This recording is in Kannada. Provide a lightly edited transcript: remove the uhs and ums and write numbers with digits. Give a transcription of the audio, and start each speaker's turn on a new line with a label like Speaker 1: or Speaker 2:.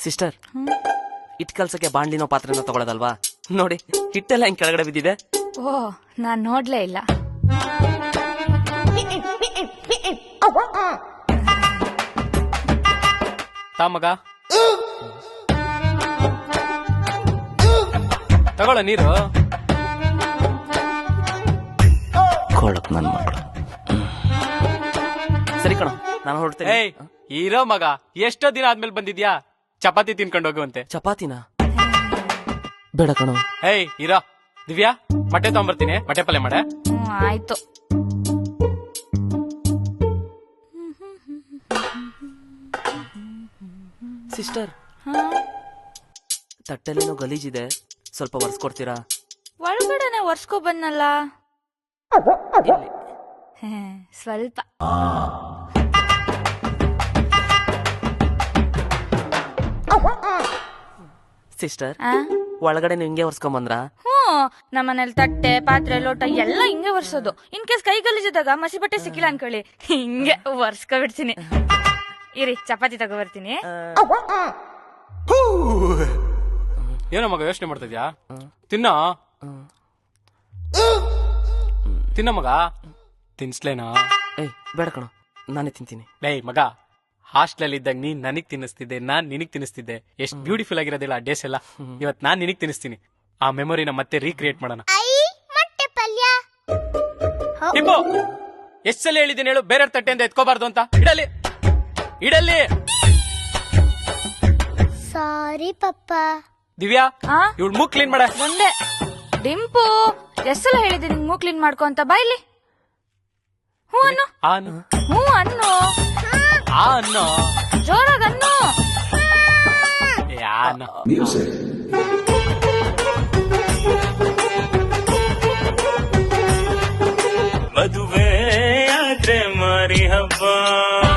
Speaker 1: Sister, hit ಕಲ್ಸಕ್ಕೆ ಬಾಂಡ್ಲಿನೋ ಪಾತ್ರೆನೋ ತಗೊಳ್ಳೋದಲ್ವಾ? ನೋಡಿ, ಹಿಟ್ಟೆಲ್ಲ ಹಿಂಗ್ ಕೆಳಗಡೆ ಬಿದ್ದಿದೆ.
Speaker 2: ಓ, ನಾನ್ ನೋಡ್ಲೇ ಇಲ್ಲ.
Speaker 3: ಮಗ ತಗೊಳ್ಳ ನೀರು.
Speaker 1: ಕೊಳಕ್ ನನ್ ಮಕ್ಕಳು. ಸರಿ ಕಣ, ನಾನು ಹೊರಡ್ತೇನೆ.
Speaker 3: ಏಯ್, ಇರೋ ಮಗ, ಎಷ್ಟೋ ದಿನ ಆದ್ಮೇಲೆ ಬಂದಿದ್ಯಾ? ಚಪಾತಿ ತಿನ್ಕೊಂಡು ಹೋಗುವಂತೆ.
Speaker 1: ಚಪಾತಿನ ಬೇಡ ಕಣೋ.
Speaker 3: ಏಯ್, ಇರೋ. ದಿವ್ಯಾ, ಮೊಟ್ಟೆ ತಗೊಂಬರ್ತೀನಿ, ಮೊಟ್ಟೆ ಪಲ್ಯ ಮಾಡೆ.
Speaker 2: ಆಯ್ತು.
Speaker 1: ಸಿಸ್ಟರ್, ತಟ್ಟೆಲೇನೋ ಗಲೀಜಿದೆ, ಸ್ವಲ್ಪ ಒರೆಸ್ಕೊಡ್ತೀರಾ?
Speaker 2: ಒಳಗಡೆನೆ ಒರ್ಸ್ಕೊ ಬಂದಲ್ಲ.
Speaker 1: ಇಲ್ಲಿ.
Speaker 2: ಸ್ವಲ್ಪ.
Speaker 1: ಸಿಸ್ಟರ್, ಒಳಗಡೆ ನೀವು ಹಿಂಗೆ ಒರ್ಸ್ಕೊಂಡ್ ಬಂದ್ರ?
Speaker 2: ನಮ್ಮನೇಲಿ ತಟ್ಟೆ, ಪಾತ್ರೆ, ಲೋಟ ಎಲ್ಲ ಹಿಂಗೆ ಒರ್ಸೋದು. ಇನ್ ಕೇಸ್ ಕೈ ಗಲೀಜಿದಾಗ ಮಸಿ ಬಟ್ಟೆ ಸಿಕ್ಕಿಲ್ಲ ಅನ್ಕೊಳ್ಳಿ, ಹಿಂಗೆ ಒರ್ಸ್ಕೊ ಬಿಡ್ತೀನಿ. ಇರಿ, ಚಪಾತಿ ತಗೋ ಬರ್ತೀನಿ.
Speaker 3: ಏನೋ ಮಗ ಯೋಚನೆ ಮಾಡ್ತಿದ್ಯಾ? ತಿನ್ನ ತಿನ್ನ ಮಗ. ತಿನ್ಸ್ಲೇನಾ?
Speaker 1: ಏಯ್, ಬೇಡ ಕಣ, ನಾನೇ ತಿಂತೀನಿ.
Speaker 3: ಏಯ್ ಮಗ, ಹಾಸ್ಟೆಲ್ ಇದ್ದಾಗ ನೀನ್ ನನಗ್ ತಿನ್ನಿಸ್ತಿದ್ದೆ, ನಾನ್ ನಿನಗ್ ತಿನ್ನಿಸ್ತಿದ್ದೆ. ಎಷ್ಟ್ ಬ್ಯೂಟಿಫುಲ್ ಆಗಿರೋದಿಲ್ಲ ಆ ಡೇಸ್ ಎಲ್ಲ. ಇವತ್ ನಾನ್ ನಿನಗ್ ತಿನ್ನಿಸ್ತೀನಿ. ಆ ಮೆಮೊರಿನ ಮತ್ತೆ ರೀಕ್ರಿಯೇಟ್ ಮಾಡೋಣ. ಟಿಪ್ಪು, ಎಷ್ಟ್ ಸಲ ಹೇಳಿದ್ದೀನಿ ಹೇಳು, ಬೇರೆ ತಟ್ಟೆಯಿಂದ ಎತ್ಕೋಬಾರ್ದು ಅಂತ. ಇಡಲಿ ಇಡಲಿ.
Speaker 4: ಸಾರಿ ಪಪ್ಪ.
Speaker 3: ದಿವ್ಯಾ, ಇವಳು ಮೂಗ್ ಕ್ಲೀನ್ ಮಾಡ.
Speaker 2: ಒಂದೇ ಡಿಂಪು, ಎಷ್ಟೆಲ್ಲ ಹೇಳಿದೆ ನಿಂಗ್ ಮೂಗ್ ಕ್ಲೀನ್ ಮಾಡ್ಕೊ ಅಂತ. ಬಾಯ್ಲಿ. ಹ್ಞೂ ಅನ್ನು. ಹ್ಞೂ ಅನ್ನು.
Speaker 3: ಅನ್ನೋ
Speaker 2: ಜೋರಾಗ ಅನ್ನು.
Speaker 3: ಯಾನ
Speaker 5: ಮದುವೆ ಆದ್ರೆ ಮಾರಿ ಹಬ್ಬ.